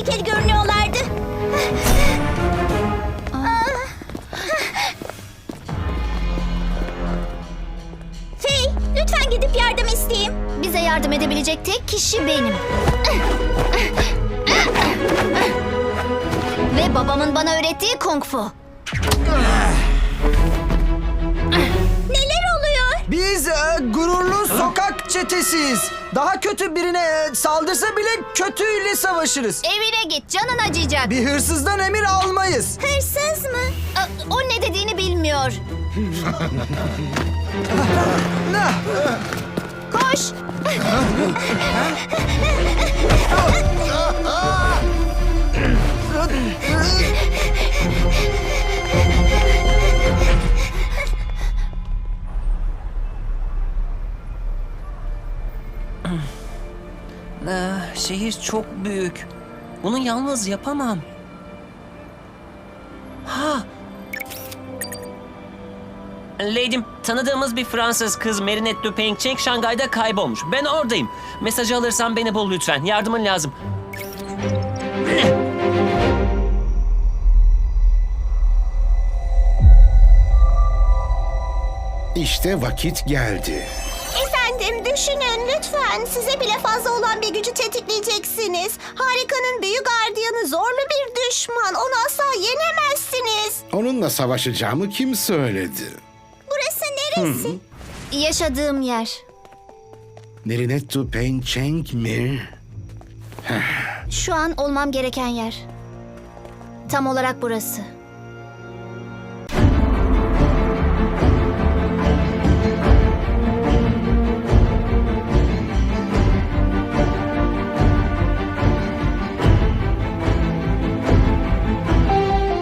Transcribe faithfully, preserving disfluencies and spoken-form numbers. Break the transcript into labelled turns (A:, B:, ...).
A: tehlikeli görünüyorlardı. Fey, lütfen gidip yardım isteyeyim.
B: Bize yardım edebilecek tek kişi benim. Ve babamın bana öğrettiği kung fu.
A: Neler oluyor?
C: Biz e, gururlu sokak çetesiyiz. Daha kötü birine e, saldırsa bile kötüyle savaşırız.
B: Evine git, canın acıyacak.
C: Bir hırsızdan emir almayız.
A: Hırsız mı?
B: Aa, o ne dediğini bilmiyor.
C: Nah.
B: Koş.
D: Ah, şehir çok büyük. Bunu yalnız yapamam. Ha! Lady'm, tanıdığımız bir Fransız kız Marinette Dupain-Cheng Şangay'da kaybolmuş. Ben oradayım. Mesajı alırsan beni bul lütfen. Yardımın lazım.
E: İşte vakit geldi.
A: Efendim düşünün lütfen. Size bile fazla olan bir gücü tetikleyeceksiniz. Harikanın büyü gardiyanı zorlu bir düşman. Onu asla yenemezsiniz.
E: Onunla savaşacağımı kim söyledi?
A: Burası neresi?
B: Yaşadığım yer.
E: Marinette Dupain-Cheng mi?
B: Şu an olmam gereken yer. Tam olarak burası.